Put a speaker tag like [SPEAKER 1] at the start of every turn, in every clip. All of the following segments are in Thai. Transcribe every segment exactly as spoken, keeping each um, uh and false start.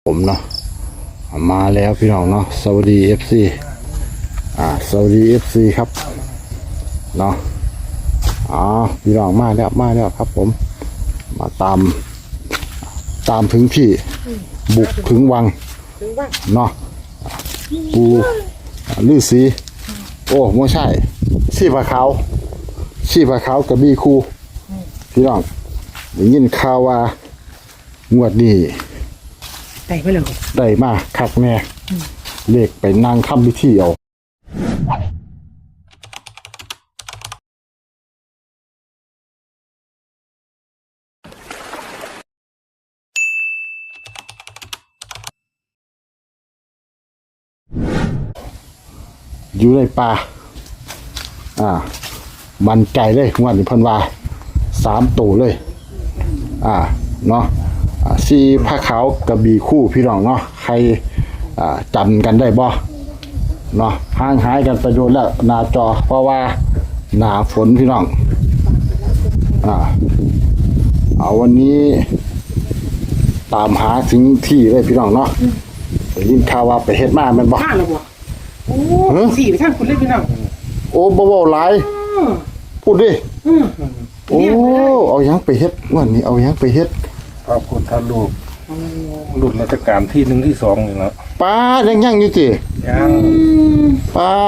[SPEAKER 1] ผมเนาะมาแล้วพี่น้องเนาะสวัสดีเอฟซีอ่าสวัสดีเอฟซีครับเนาะอ๋อพี่น้องมาแล้วมาแล้วครับผมมาตามตามถึงที่บุกถึงวังเนาะปูลือสีโอ้ไม่ใช่ชีพะขาวชีพะขาวกับบีคูพี่น้องได้ยินข่าวว่างวดนี้
[SPEAKER 2] ได้มาเลย
[SPEAKER 1] ได้มาคักแน่เลขไปนั่งทำพิธีเอาอยู่ในป่าอ่ามันใจเลยงวดนี้เพิ่นว่าสามตัวเลยอ่าเนาะสีผ้าขาวกระบี่คู่พี่น้องเนาะใครจำกันได้บ่เนาะห่างหายกันไปโดนแล้วหน้าจอเพราะว่าหน้าฝนพี่น้องอ่าเอาวันนี้ตามหาถึงที่เลยพี่น้องเนาะได้ยินข่าวว่าไปเฮ็ดมาแม่นบ่
[SPEAKER 2] ข้าแล้วบ่โอ้สี่ไปทางคุณเลยพี่น้อง
[SPEAKER 1] โอ้บ่เว้าหลายพูดดิโอ้เอาหยังไปเฮ็ดวันนี้เอาหยังไปเฮ็ด
[SPEAKER 3] พระพุทธรูปรุ่นราชการที่หนึ่งที่สองนี่แล้ว
[SPEAKER 1] ป้ายังยังอยู่สิ
[SPEAKER 3] ยัง
[SPEAKER 1] ป้า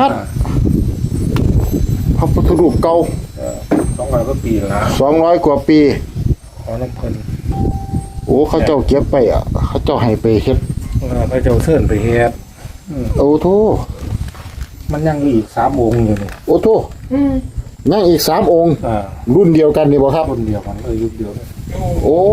[SPEAKER 1] พระพุทธรูปเก่า
[SPEAKER 3] สองร้อยกว่าปีแล้ว
[SPEAKER 1] สองร้อยกว่าปี
[SPEAKER 3] ขอน้ำเพิ่น
[SPEAKER 1] โอ้เขาเจ้าเก็บไปอ่ะเขาเจ้าให้ไปเฮ็ด
[SPEAKER 3] พระเจ้าเชิญไปเฮ็ด
[SPEAKER 1] โอ้โธ่
[SPEAKER 3] มันยังอีกสามองค์อยู่นี่
[SPEAKER 1] โอ้โธ่ยังอีกสามองค์รุ่นเดียวกันนี่บ่ครับ
[SPEAKER 3] รุ่นเดียวกันเลยยุคเดียว
[SPEAKER 1] โอ้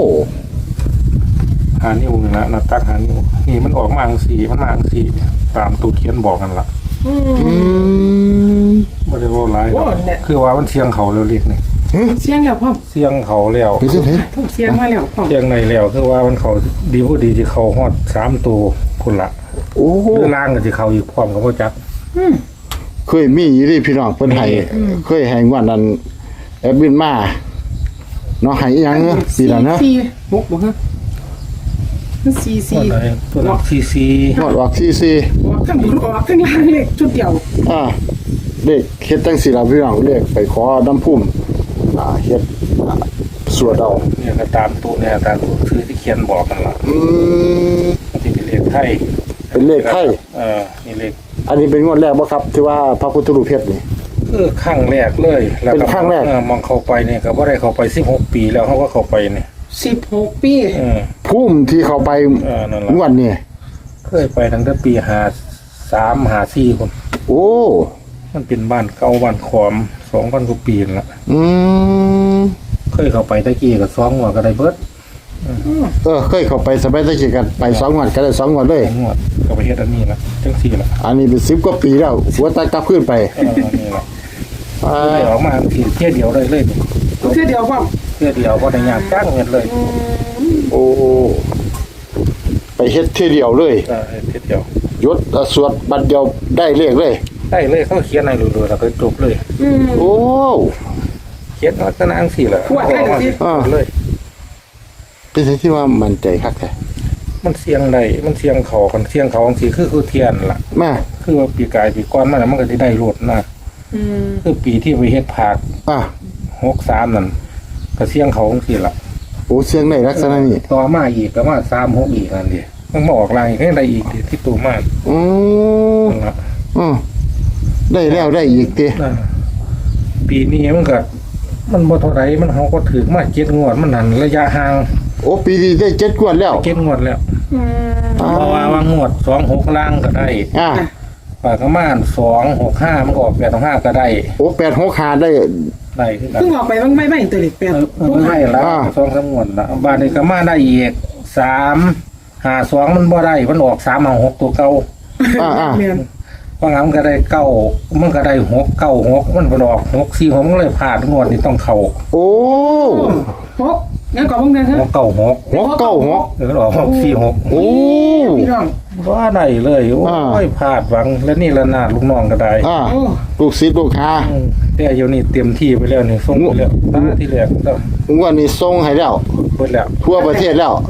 [SPEAKER 3] หานิ้วนึงละนับตักหานิ้วนี่มันออกมาอังสีมันมาอังสีตามตัวเขียนบอกกันละ
[SPEAKER 1] อืม
[SPEAKER 3] ไม่ได้ว่าร้ายคือว่ามันเสียงเขาเร็วเรียกนี่
[SPEAKER 2] เสียงแล้วพ่อ
[SPEAKER 3] เสียงเขาแล้ว
[SPEAKER 1] ไปสิ
[SPEAKER 2] เสียงมาแล้วพ่อ
[SPEAKER 3] เสียงในแล้วคือว่ามันเขาดีผู้ดีที่เขาฮอดสามตัวคนละ
[SPEAKER 1] โอ้
[SPEAKER 3] หรือล่างกับที่เขาอยู่พร้อมกับพ่อจัก
[SPEAKER 1] เคยมีอยู่ดิพี่น้องเพิ่นให้เคยให้งวดนั้นแอดมินมาเนาะให้อีหยังเนาะปีนั้นนะ
[SPEAKER 2] สี่หกบ่ฮะสี่สี่
[SPEAKER 3] ตัวล็อกสี่สี่
[SPEAKER 1] หมดออกสี่สี่
[SPEAKER 2] ออกข้างบนออกข้างล่างเลขชุดเดียว
[SPEAKER 1] อ่าเลขเฮ็ดจังสี่ล่ะพี่น้องเลขไปขอน้ำพุ่มอ่าเฮ็ดสวดเอา
[SPEAKER 3] เนี่ยก็ตามตัวเนี่ยตามตัวชื่อที่เขียนบอกกันล่ะ
[SPEAKER 1] อืม
[SPEAKER 3] ที่เป็นเลขไทย
[SPEAKER 1] เป็นเลขไทย
[SPEAKER 3] เออนี่เลข
[SPEAKER 1] อันนี้เป็นงวดแรกบ่ครับที่ว่าพระพุทธรูปเพชรนี่
[SPEAKER 3] คือครั้งแรกเลย
[SPEAKER 1] เป็นครั้งแรก
[SPEAKER 3] มองเข้าไปเนี่ยก็บ่ได้เข้าไปสิบหกปีแล้วเฮาก็เข้าไปเนี่ย
[SPEAKER 2] สิบหกปี
[SPEAKER 3] เออ
[SPEAKER 1] พุ่มที่เข้าไปงวดนี้
[SPEAKER 3] เคยไปตั้งแต่ปีห้าสาม ห้าสี่พุ่น
[SPEAKER 1] โอ้
[SPEAKER 3] มันเป็นบ้านเก่าบ้านขอมสองพันกว่าปีแล้ว
[SPEAKER 1] อืม
[SPEAKER 3] เคยเข้าไปตะกี้ก็สองงวดก็ได้เบิด
[SPEAKER 1] เออเคยเข้าไปสบายตะกี้กันไปสองงวดก็ได้สองงวดเลย
[SPEAKER 3] งวดก็ไปเฮ็ดอันนี้ละจังซี่ล่ะ
[SPEAKER 1] อันนี้เป็นสิบกว่าปีแล้วหัวตากลับขึ้นไป
[SPEAKER 3] เออนี่ล่ะไปออกมาทีเที่ยวเดียวได้เลย
[SPEAKER 2] เที่ยวเดียวป่ะ
[SPEAKER 3] เที่ยวเดียวบ่ได้ยากจ้างเงินเลย
[SPEAKER 1] โอ้ไปเฮ็ดเที่ยวเดียวเลย
[SPEAKER 3] เออเที่ยวเดีย
[SPEAKER 1] วยศสวดบัดเดียวได้เลขเลย
[SPEAKER 3] ได้เลยเขาเขียนให้รัวๆแล้วก็จบเลย
[SPEAKER 1] โอ้
[SPEAKER 3] เขียนลักษณะจังซี่ล่ะ
[SPEAKER 2] ขวดได้
[SPEAKER 3] เลย
[SPEAKER 1] เป็นสิ่งที่ว่ามันใจคักแท้
[SPEAKER 3] มันเสียงได้มันเสียงเขาคันเสียงเขาจังซี่คือคือเทียนล่ะ
[SPEAKER 1] แม่
[SPEAKER 3] คือว่าปีกายปีก่อนมันมันก็สิได้รถนะ
[SPEAKER 2] อืม
[SPEAKER 3] คือปีที่ไปเฮ็ดภาค
[SPEAKER 1] อ่ะ
[SPEAKER 3] หกสามนั่นก็เสียงเขาจังซี่ล่ะ
[SPEAKER 1] โอ้เสียงได้ลักษณะนี้
[SPEAKER 3] ต่อมาอีกก็มาสาม หกอีกนั่นดิมันมาออกลายอีกได้อีกที่ตัวมา
[SPEAKER 1] อืออือได้แล้วได้อีกติ
[SPEAKER 3] ปีนี้มันก็มันบ่เท่าไหร่มันเฮาก็ถึงมาเจ็ดงวดมันนั่นระยะห่าง
[SPEAKER 1] โอ้ปีนี้ได้เจ็ดงวดแล้ว
[SPEAKER 3] เจ็ดงวดแล้วเพราะว่าวางงวดสอง หกล่างก็ได้
[SPEAKER 1] อ่า
[SPEAKER 3] ปากประมาณสอง หก ห้ามันก็ออกแปด ห้าก็ได้
[SPEAKER 1] โอ้แปด หก ห้าได้
[SPEAKER 3] ได้คือกัน
[SPEAKER 2] เพิ่งออกไปมันไม่ไม่ตัวเลขแปด
[SPEAKER 3] ไม่แล้วสอง สามงวดละบาดนี้ก็มาได้อีกสาม ห้า สองมันบ่ได้มันออกสาม ห้า หกตัวเก่า
[SPEAKER 1] อ่า
[SPEAKER 3] ๆว่างั้นมันก็ได้เก้ามันก็ได้หก เก้า หกมันบ่ออกหก สี่ หกมันเลยพลาดงวดนี้ต้องเข้า
[SPEAKER 1] โอ้
[SPEAKER 2] หกงั้นก่อนมึงนะฮะ
[SPEAKER 3] หก เก้า หก
[SPEAKER 1] หก เก้า หก
[SPEAKER 3] เออออกหก สี่ หก
[SPEAKER 1] โอ้
[SPEAKER 2] พี่น้อง
[SPEAKER 3] ว่าได้เลยโอ้ยพลาดหวังแล้วนี่ละนาดลูกน้องก็ได้
[SPEAKER 1] อ่าลูกศิษย์ลูกหา
[SPEAKER 3] แต่เดี๋ยวนี้เตรียมที่ไปแล้วนี่ส่งไปแล้วตาที่แรกแล้ว
[SPEAKER 1] งวดนี้ส่งให้แล้ว
[SPEAKER 3] เบิดแล้ว
[SPEAKER 1] ทั่วประเทศแล้ว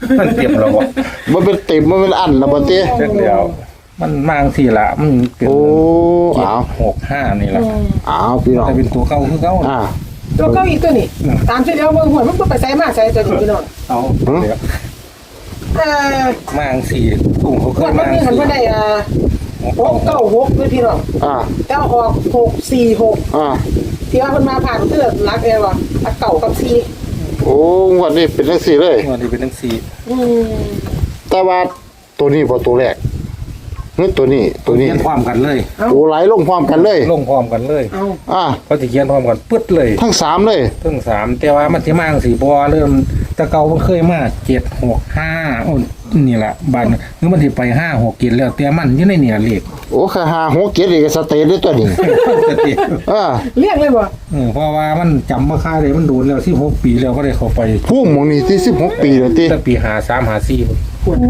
[SPEAKER 3] มันเต็มแล้วบ่
[SPEAKER 1] มันเป็นเต็มมันเป็นอันแล้วบ่ติ
[SPEAKER 3] เสร็จแล้วมันมางทีละมันเป็น
[SPEAKER 1] โอ้
[SPEAKER 3] เจ็ด
[SPEAKER 1] เอา
[SPEAKER 3] หกห้านี่แหละ
[SPEAKER 1] เอาพี่น้อง
[SPEAKER 3] แต่เป็นตัวเก่าคือเก่า
[SPEAKER 1] อ่า
[SPEAKER 2] ตัวเก้าอีกตัวนี่ตามที่แล้วเบิ่งหวยมันก็ไปใส่มาใส่ตัวนี้พี่น้อง
[SPEAKER 3] เอา
[SPEAKER 1] หือ
[SPEAKER 3] เดี๋ยว
[SPEAKER 2] เอ่อ
[SPEAKER 3] มางสี่กุ้งเขาเค
[SPEAKER 2] วั
[SPEAKER 3] ย
[SPEAKER 2] นมัน
[SPEAKER 3] มาง
[SPEAKER 2] มีหัน
[SPEAKER 3] สี่
[SPEAKER 2] มาได้อ่า
[SPEAKER 3] หก
[SPEAKER 2] ห
[SPEAKER 3] เก่าก
[SPEAKER 2] เก้าหกด้วยพี่น้อง
[SPEAKER 1] อ่า
[SPEAKER 2] แล้วออกหกสี่หก
[SPEAKER 1] อ่า
[SPEAKER 2] ที่ว่าเพิ่นมาผ่านเพื่อรักเอวอ่ะรักเก่ากับสี่
[SPEAKER 1] โอ้งวันนี้เป็นจังซี่เลย
[SPEAKER 3] วันนี้เป็นทั้งสี่
[SPEAKER 2] อืม
[SPEAKER 1] แต่ว่าตัวนี้บ่ตัวแรกนี่ตัวนี้ตัวนี้
[SPEAKER 3] เขียนพร้อมกันเลย
[SPEAKER 1] โอ้ไหลลงพร้อมกันเลย
[SPEAKER 3] ลงพร้อมกันเลย
[SPEAKER 2] เอา
[SPEAKER 1] อ่า
[SPEAKER 3] เขาจะเขียนพร้อมกันปึ๊ดเลย
[SPEAKER 1] ทั้งสามเลย
[SPEAKER 3] ทั้งสามแต่ว่ามันที่มางสี่บัวเริ่มแตะเก่ามันเคยมาเจ็ดหกห้าโอ้นี่แหละบันหรือมันที่ไปห้าหกกินแล้วแต่มันอยี่ในเนี่ยเลข
[SPEAKER 1] โอ้ค่าหาหกเกียรติอีกสเตทด้วยตัวนี้อ่า
[SPEAKER 2] เรียกเลยบ่
[SPEAKER 3] เออเพราะว่ามันจำว่าค่าเลยมันโดนแล้วสิบหกปีแล้วก็ได้เข้าไป
[SPEAKER 1] ผู้หมองนี่ที่สิบหกปีแล้วติ
[SPEAKER 3] ตั้งปีหาสามหาสี่
[SPEAKER 1] โอ้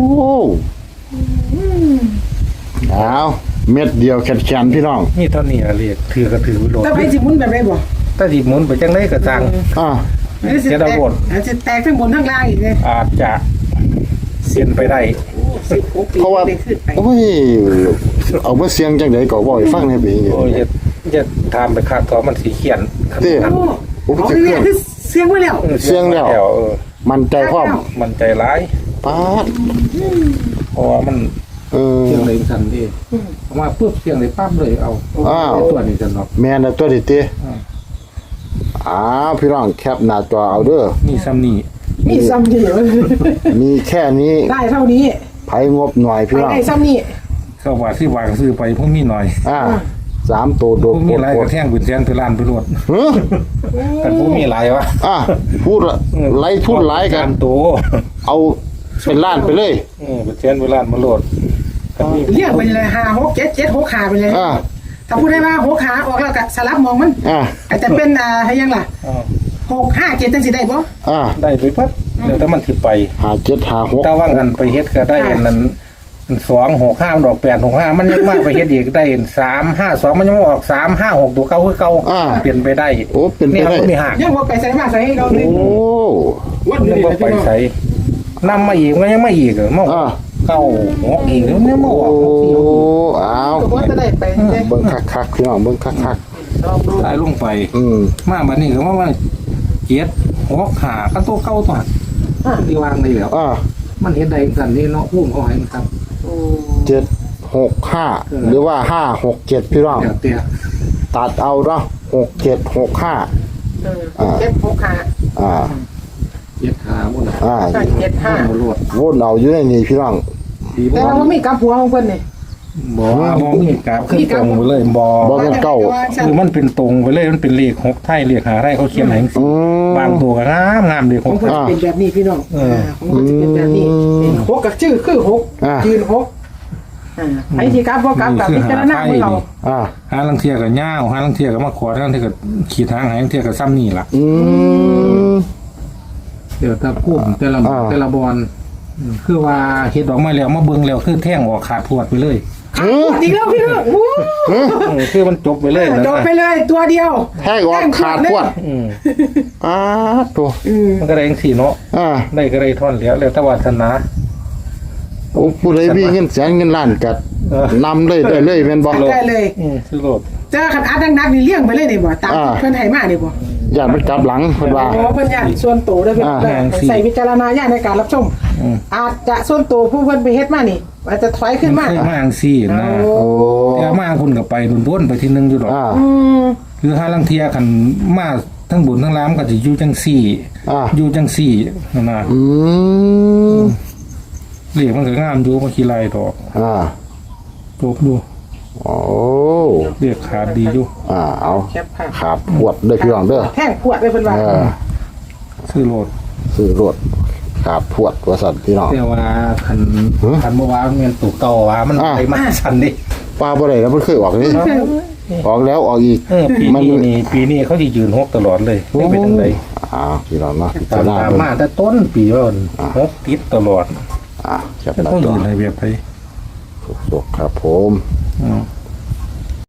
[SPEAKER 1] เอาเม็ดเดียวแขนๆพี่น้อง
[SPEAKER 3] นี่เท่านี้อะเลขถือก็ถือไว้โหลด
[SPEAKER 2] ถ้าไปสิหมุนแบบไรบ่
[SPEAKER 3] ถ้าดิบหมุนไปจังไรก็จัง
[SPEAKER 1] อ่า
[SPEAKER 2] อันนี้สิ
[SPEAKER 3] เดี๋ยว
[SPEAKER 2] แต
[SPEAKER 3] เรา
[SPEAKER 2] ก
[SPEAKER 3] บ่น
[SPEAKER 2] อันจะแตกทั้งบนทั้งล่างอีกเลย
[SPEAKER 3] อาจจะเสียนไปได้
[SPEAKER 2] สิบหกปี
[SPEAKER 1] เพราะว่า
[SPEAKER 2] ได้ขึ้นไป
[SPEAKER 1] โอ้ยเอามาเสียงจังได๋ก็บ่ให้ฟังในปีนี้
[SPEAKER 3] โอ้ยจะจะทำไปคาดต่อมันสีเขียน
[SPEAKER 1] เด้
[SPEAKER 2] โอ้
[SPEAKER 1] โอ้
[SPEAKER 2] เอา
[SPEAKER 1] จะ
[SPEAKER 2] อี
[SPEAKER 1] เค
[SPEAKER 2] ก
[SPEAKER 1] รื่
[SPEAKER 2] แล้
[SPEAKER 1] อง
[SPEAKER 2] วคือเสียงไว้แล้ว
[SPEAKER 3] เสียงแล้วเออ
[SPEAKER 1] มันใจพร้อม
[SPEAKER 3] มันใจร้าย
[SPEAKER 1] ป๊าด
[SPEAKER 3] เพราะว่ามัน
[SPEAKER 1] เออ
[SPEAKER 3] เสียงเลยทันทีออกมาปุ๊บเสียงเลยปั๊บเลยเอา
[SPEAKER 1] อ้าว
[SPEAKER 3] ไตัวนี้จะเนาะ
[SPEAKER 1] แม่นน่ะตัวนี้ติ
[SPEAKER 3] อ่า
[SPEAKER 1] อ้าวพี่น้องแคปหน้าจอเอาเด้อ
[SPEAKER 3] มีซ้ำนี่
[SPEAKER 2] มีซ้ำเดียว
[SPEAKER 1] มีแค่นี้
[SPEAKER 2] ได้เท่านี้
[SPEAKER 1] ไผงบหน่อย
[SPEAKER 2] ไป
[SPEAKER 1] พี่น้อง
[SPEAKER 2] ได้ซ้ำนี่
[SPEAKER 3] เข้าว่าที่วางซื้อไปพวกมีหน่อย
[SPEAKER 1] อ่าสามตัวโด
[SPEAKER 3] พ
[SPEAKER 1] ด
[SPEAKER 3] วกมีหลาย
[SPEAKER 1] โค
[SPEAKER 3] ก
[SPEAKER 1] ต
[SPEAKER 3] ระ
[SPEAKER 1] ร
[SPEAKER 3] แท่งบุญแสนไปล้านไปรวด
[SPEAKER 1] เฮ้อ
[SPEAKER 3] กันพวกมีหลายวะ
[SPEAKER 1] อ่ะพูดละไล่ทุนหลายกัน
[SPEAKER 3] โต
[SPEAKER 1] เอาเป็นล้านไปเลย
[SPEAKER 3] เออบุญแสนไปล้านมาโหลดกันมี
[SPEAKER 2] เรียกไปเลยห้าหกเจ็ดเจ็ดหกขาไปเลย
[SPEAKER 1] อ่า
[SPEAKER 2] ถ้าพูดได้ว่าหกขาออกแล้วก็สลับมองมัน
[SPEAKER 1] อ่า
[SPEAKER 2] อาจจะเป็นอ่าให้ยังล่ะ
[SPEAKER 3] อ้าว
[SPEAKER 2] หกห้าเจ็ดจังสิได้บ่
[SPEAKER 1] อ่า
[SPEAKER 3] ได้ไปปั๊บเดี๋ยวถ้ามันถิไป
[SPEAKER 1] หาเจ็ดหาหก
[SPEAKER 3] ถ้าว่างกันไปเฮ็ดก็ได้อันนั้นสองหกห้าดอกแปดหกห้ามันยังมากไปเฮ็ดอีกได้สามห้าสองมันยังออกสามห้าหกตัวเก่าคือเก่า
[SPEAKER 1] อ่า
[SPEAKER 3] เปลี่ยนไปได้
[SPEAKER 1] โอ้เป็นไป
[SPEAKER 3] นี่
[SPEAKER 1] ได้
[SPEAKER 3] มันก็มีหัก
[SPEAKER 2] ยังบ่ไปใส่มาใส่ให้เราเลย
[SPEAKER 1] โอ้
[SPEAKER 2] วัน
[SPEAKER 3] ยั
[SPEAKER 2] นี้
[SPEAKER 3] งบ่ไปใส่นำมาอีกมันยังไม่อีกเหรอมา
[SPEAKER 1] อ่า
[SPEAKER 3] เก้าหกอีกแล้วเนี่ยมา
[SPEAKER 1] โอ้
[SPEAKER 3] ออกหกสี่หกอีก
[SPEAKER 1] อ้าว
[SPEAKER 2] ก็บ่จะได้ไปเด้
[SPEAKER 1] เบิ่งคักๆพี่น้องเบิ่งคัก
[SPEAKER 2] ลองดู
[SPEAKER 3] ตายลงไป
[SPEAKER 1] ๆอืม
[SPEAKER 3] มาบัดนี้ก็ว่าว่าเจ็ดหกขากันตัวเก่าตัวที่วางได้แล้ว
[SPEAKER 1] อ่า
[SPEAKER 3] มันเฮ็ดได้สั่นนี่เนาะพุ่มเขาให้มันครับ
[SPEAKER 1] เจ็ดหกห้าหรือว่าห้าหกเจ็ดพี่น้อง
[SPEAKER 3] เดี๋ยวเตี้ย
[SPEAKER 1] ตัดเอาเนาะหกเจ็ดหกห้า
[SPEAKER 2] เออเจ็ดหกขา
[SPEAKER 1] อ่า
[SPEAKER 3] เจ็ดขาหมดน่ะ
[SPEAKER 1] อ่า
[SPEAKER 2] ใช่เจ็ดห้า
[SPEAKER 3] หมดรวด
[SPEAKER 1] วนเอาอยู่ในนี้พี่น้อง
[SPEAKER 3] ดี
[SPEAKER 2] แต่
[SPEAKER 3] บ่
[SPEAKER 2] ว่ามีกับหัวของเพิ่นนี่
[SPEAKER 3] บ่ว่าบ่มีกราบขึ้นตรงไปเลยบ่
[SPEAKER 1] บ่แม่นเก้า
[SPEAKER 3] คือมันเป็นตรงไปเลยมันเป็นเลขหกไทยเลขหาไทยเขาเขียนให้จัง
[SPEAKER 1] อื
[SPEAKER 3] ซี่
[SPEAKER 1] ม
[SPEAKER 3] บางตัวก็งามงามเลข
[SPEAKER 2] ข
[SPEAKER 3] ห
[SPEAKER 2] อง
[SPEAKER 3] ก
[SPEAKER 2] เพิ่นจะเป็นแบบนี้พี่น้อง
[SPEAKER 3] เออ
[SPEAKER 2] ของเพิ่นจะเป็นแบบนี้
[SPEAKER 1] อืม
[SPEAKER 2] หกกับชื่อคือหก
[SPEAKER 1] อ่า
[SPEAKER 2] ยืนหกอ่าไอ้ที่กับบ่กับกับพิจารณาของเรา
[SPEAKER 1] อ่า
[SPEAKER 3] หาลังเทียก็ยาวหาลังเทียก็มาขอหาลังเทียก็ขีดทางหาลังเทียก็ซ้ำนี่ล่ะ
[SPEAKER 1] อืม
[SPEAKER 3] เดี๋ยวถ้าพูดแต่ละ
[SPEAKER 1] อ่า
[SPEAKER 3] แต่ละบอลอืมคือว่าเฮ็ดออกมาแล้วมาเบิ่งแล้วคือแท่งออกขาดพวดไปเลย
[SPEAKER 1] เออ
[SPEAKER 2] อีกแล้วพี่น้องโอ้
[SPEAKER 1] เออ
[SPEAKER 3] เออคือมันจบไปเลยนะ
[SPEAKER 2] จบไปเลยตัวเดียว
[SPEAKER 1] แท้ออกขาดพวด
[SPEAKER 3] อืม
[SPEAKER 1] อ้าตัว
[SPEAKER 2] อืม
[SPEAKER 3] มันก็ได้จังซี่เนาะ
[SPEAKER 1] อ่า
[SPEAKER 3] ได้ก็ได้ท่อนแล้วแล้วแต่วาสนา
[SPEAKER 1] โอ้ผู้ใดมีเงินแสนเงินล้านกัด
[SPEAKER 3] เออ
[SPEAKER 1] นำเลยได้เลยแม่นบ่
[SPEAKER 2] ได้เลย
[SPEAKER 3] อืมคือโลด
[SPEAKER 2] เจอขันอัดดังๆนี่เลี้ยงไปเลยนี่บ่ตามที่เพิ่นให้มานี่บ่
[SPEAKER 1] ญาติมันกลับหลังเพิ่นว่า
[SPEAKER 2] โอ้เพิ่นญาติส่วนโตวด้วยเพิ่น
[SPEAKER 1] อ่า
[SPEAKER 2] เด้อใส่วิจารณญาณในการรับชม
[SPEAKER 3] อืม
[SPEAKER 2] อาจจะส่วนตัวผู้เพิ่นไปเฮ็ดมานี่อาจจะถอยขึ้นมา
[SPEAKER 3] เคยมาจังซี่นะ
[SPEAKER 2] โอ้
[SPEAKER 1] โอ้
[SPEAKER 3] แต่มาคุณก็ไปบนๆไปทีนึงอยู่ดอก
[SPEAKER 1] อ่า
[SPEAKER 2] อืม
[SPEAKER 3] คือหาลังเทียคันมาทั้งบุญทั้งล้ามก็สิอยู่จังซี่
[SPEAKER 1] อ่า
[SPEAKER 3] อยู่จังซี่นั่นน่ะ
[SPEAKER 1] อืม
[SPEAKER 3] เลขมันก็งามอยู่บ่ขี้ไรดอก
[SPEAKER 1] อ่า
[SPEAKER 3] จบอยู่
[SPEAKER 1] โอ้
[SPEAKER 3] เลขขาดดีอยู่
[SPEAKER 1] อ่าเอา
[SPEAKER 2] แคปภาพ
[SPEAKER 1] ขาดพวดเด้อพี่น้องเด้อ
[SPEAKER 2] แท่งขวดเลยเพิ่นว่า
[SPEAKER 1] เออ
[SPEAKER 3] ซื้อโลด
[SPEAKER 1] ซื้อรถขาดพวดว่าสั่นพี่น้อง
[SPEAKER 3] แต่ว่าคัน
[SPEAKER 1] ฮะ
[SPEAKER 3] คันเมื่อวานเงินตุกเก่าว่ามัน
[SPEAKER 1] อ่า
[SPEAKER 3] ไปมาชันดิ
[SPEAKER 1] ปลาบ่ได้แล้วมันเคยออกนี่ออกแล้วออกอีก
[SPEAKER 3] เออปี
[SPEAKER 1] มัน
[SPEAKER 3] นี้นี่ปีนี้เขาจะยืนหกตลอดเลยไม่เป็นจังได
[SPEAKER 1] อ้าวพี่น้องเนาะพิ
[SPEAKER 3] ตา
[SPEAKER 1] จาม รณา
[SPEAKER 3] ตาม
[SPEAKER 1] เพิ่น
[SPEAKER 3] มาแต่ต้นปีว่ามันหกติดตลอด
[SPEAKER 1] อ่าจับ
[SPEAKER 3] จะ
[SPEAKER 1] หน้า
[SPEAKER 3] ต้อง
[SPEAKER 1] จอ
[SPEAKER 3] ยืนในเวียบไป
[SPEAKER 1] สุกๆครับผม
[SPEAKER 3] อืม